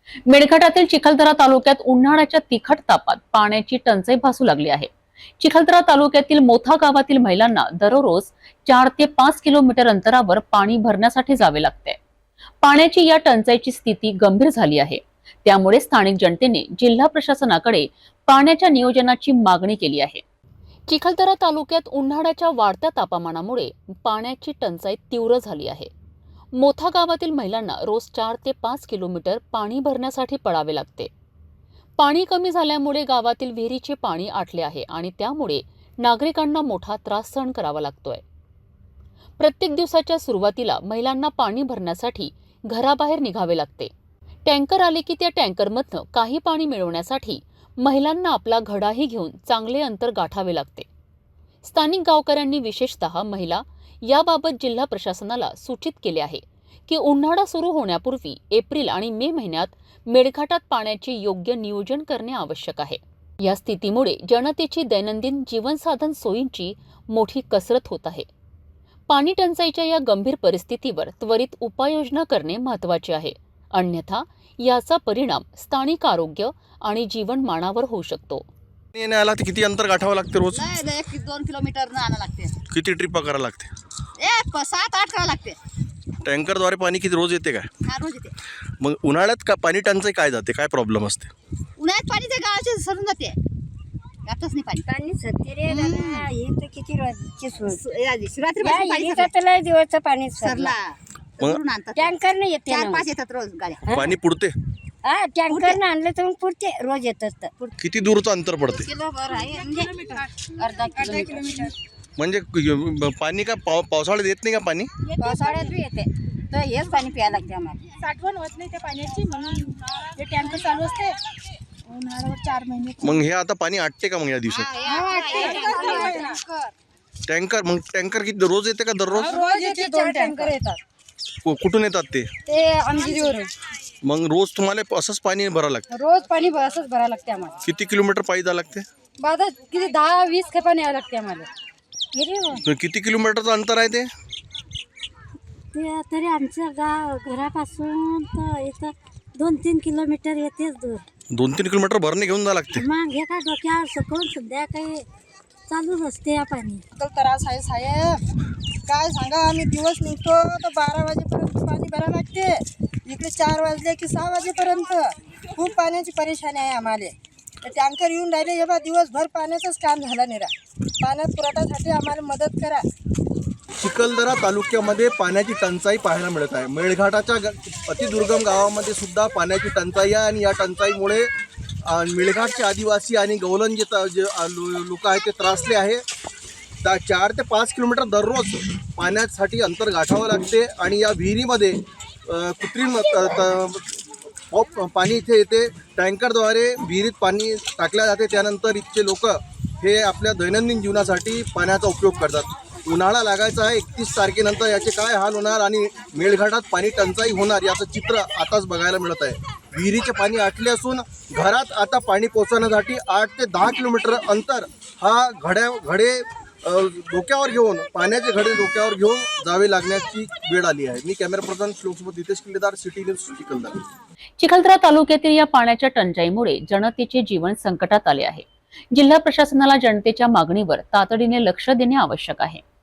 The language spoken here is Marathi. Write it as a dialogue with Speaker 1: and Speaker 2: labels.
Speaker 1: मेळघाटातील चिखलदरा तालुक्यात उन्हाळ्याच्या तिखट तापात पाण्याची टंचाई भासू लागली आहे। चिखलदरा तालुक्यातील मोथा गावातील महिलांना दररोज 4 ते 5 किलोमीटर अंतरावर पाणी भरण्यासाठी जावे लागते। पाण्याची या टंचाईची स्थिती गंभीर झाली आहे। त्यामुळे स्थानिक जनतेने जिल्हा प्रशासनाकडे पाण्याच्या नियोजनाची मागणी केली आहे। चिखलदरा तालुक्यात उन्हाळ्याच्या वाढत्या तापमानामुळे पाण्याची टंचाई तीव्र झाली आहे। मोथा गावातील महिलांना रोज 4 ते 5 किलोमीटर पाणी भरण्यासाठी पडावे लागते। पाणी कमी झाल्यामुळे गावातील विहिरीचे पाणी आटले आहे आणि त्यामुळे नागरिकांना मोठा त्रास सहन करावा लागतोय। प्रत्येक दिवसाच्या सुरुवातीला महिलांना पाणी भरण्यासाठी घराबाहेर निघावे लागते। टँकर आले की त्या टँकरमधनं काही पाणी मिळवण्यासाठी महिलांना आपला घडाही घेऊन चांगले अंतर गाठावे लागते। स्थानिक गावकऱ्यांनी विशेषतः महिला याबाबत जिल्हा प्रशासनाला सूचित केले आहे की उन्हाळा सुरू होण्यापूर्वी एप्रिल आणि मे महिन्यात मेळघाटात पाण्याचे योग्य नियोजन करणे आवश्यक आहे। या स्थितीमुळे जनतेची दैनंदिन जीवनसाधन सोयींची मोठी कसरत होत आहे। पाणी टंचाईच्या या गंभीर परिस्थितीवर त्वरित उपाययोजना करणे महत्त्वाचे आहे, अन्यथा याचा परिणाम स्थानिक आरोग्य आणि जीवनमानावर होऊ शकतो।
Speaker 2: येण्याला किती अंतर गाठावं लागते रोज?
Speaker 3: 1-2 किलोमीटर आणावं लागते।
Speaker 2: किती ट्रिपा करावं लागते?
Speaker 3: 7-8 करावं लागते।
Speaker 2: टँकरद्वारे पाणी किती रोज येते काय?
Speaker 3: हा, रोज येते।
Speaker 2: मग उन्हाळ्यात का पाणी टंचाई काय जाते, काय प्रॉब्लेम असते?
Speaker 3: उन्हाळ्यात पाणी ते गावाचे सरून जाते, जातच नाही पाणी।
Speaker 4: पाणी सत्य रे दादा, हे तर किती रोजची
Speaker 3: शिवरात्रीपासून पाणी
Speaker 4: लय दिवसचं पाणी
Speaker 3: सरला करून आणतात।
Speaker 4: टँकरने येते ना.
Speaker 3: 4-5 येतात रोज गाड्या।
Speaker 2: पाणी पुरते?
Speaker 4: हा, टँकरने आणलं तर मग पुरते, रोज येतात तर
Speaker 2: किती दूरचं अंतर पडते?
Speaker 3: किलोभर आहे म्हणजे अर्धा किलोमीटर।
Speaker 2: म्हणजे पाणी का पावसाळ्यात येत नाही का पाणी?
Speaker 3: पावसाळ्यात बी येते, तर हेच पाणी प्यायला लागते आम्हाला।
Speaker 5: साठवण होत नाही त्या पाण्याची, म्हणून हे टँकर चालू असते उन्हाळ्यावर 4 महिने।
Speaker 2: मग हे आता पाणी आटते का मग या दिवसात? टँकर मग टँकर किती रोज येते का दररोज?
Speaker 5: रोज येते, 2 टँकर येतात।
Speaker 2: कुठून येतात ते?
Speaker 5: ते आमगिरीवरून
Speaker 2: मग रोज तुम्हाला असंच पाणी भरावं लागतं?
Speaker 5: रोज पाणी असंच भरावं लागते आम्हाला।
Speaker 2: किती किलोमीटर पायी जावं लागते?
Speaker 5: बाधा किती 10-20 खेपा न्यावं लागते आम्हाला।
Speaker 2: किती किलोमीटरचं अंतर आहे ते?
Speaker 4: तरी आमच्या घरापासून तर इथं 2-3 किलोमीटर येतेच दूर।
Speaker 2: 2-3 किलोमीटर भरणे घेऊन जावं लागते?
Speaker 4: मग हे काय डोक्यावर सकाळून सध्या काही चालूच असते या पाणी।
Speaker 5: त्रास आहे साहेब, काय सांगा। आम्ही दिवस निघतो तर 12 वाजेपर्यंत पाणी भरावं लागते, इकडे 4 वाजले की 6 वाजेपर्यंत खूप पाण्याची परेशानी आहे आम्हाला। तर टँकर येऊन राहिले, हे बा दिवसभर पाण्याचंच काम झालं नाही। पाण्यात पुरवठ्यासाठी आम्हाला मदत करा।
Speaker 2: चिखलदरा तालुक्यामध्ये पाण्याची टंचाई पाहायला मिळत आहे। मेळघाटाच्या अतिदुर्गम गावामध्ये सुद्धा पाण्याची टंचाई आहे आणि या टंचाईमुळे मेळघाटचे आदिवासी आणि गवलन जे लोक आहेत ते त्रासले आहे। 4 ते 5 किलोमीटर दररोज पाण्यासाठी अंतर गाठावं लागते आणि या विहिरीमध्ये कृत्रिम पाणी इथे येते। टँकरद्वारे विहिरीत पाणी टाकल्या जाते, त्यानंतर इथचे लोक हे आपल्या दैनंदिन जीवनासाठी पाण्याचा उपयोग करतात। उन्हाळा लागायचा आहे, 31 तारखेनंतर याचे काय हाल होणार आणि मेळघाटात पाणी टंचाई होणार याचं चित्र आताच बघायला मिळत आहे। विहिरीचे पाणी आटले असून घरात आता पाणी पोहोचवण्यासाठी 8 ते 10 किलोमीटर अंतर हा घडे डोक्यावर घेऊन पाण्याचे घडे डोक्यावर घेऊन जावे लागण्याची वेळ आली आहे। मी कॅमेरा पर्सन श्लोकसोबत नितेश किल्लेदार, सिटी न्यूज चिखलदरा।
Speaker 1: चिखलदरा तालुक्यातील या पाण्याच्या टंचाईमुळे जनतेचे जीवन संकटात आले आहे। जिल्हा प्रशासनाला जनतेच्या मागणीवर तातडीने लक्ष देणे आवश्यक आहे।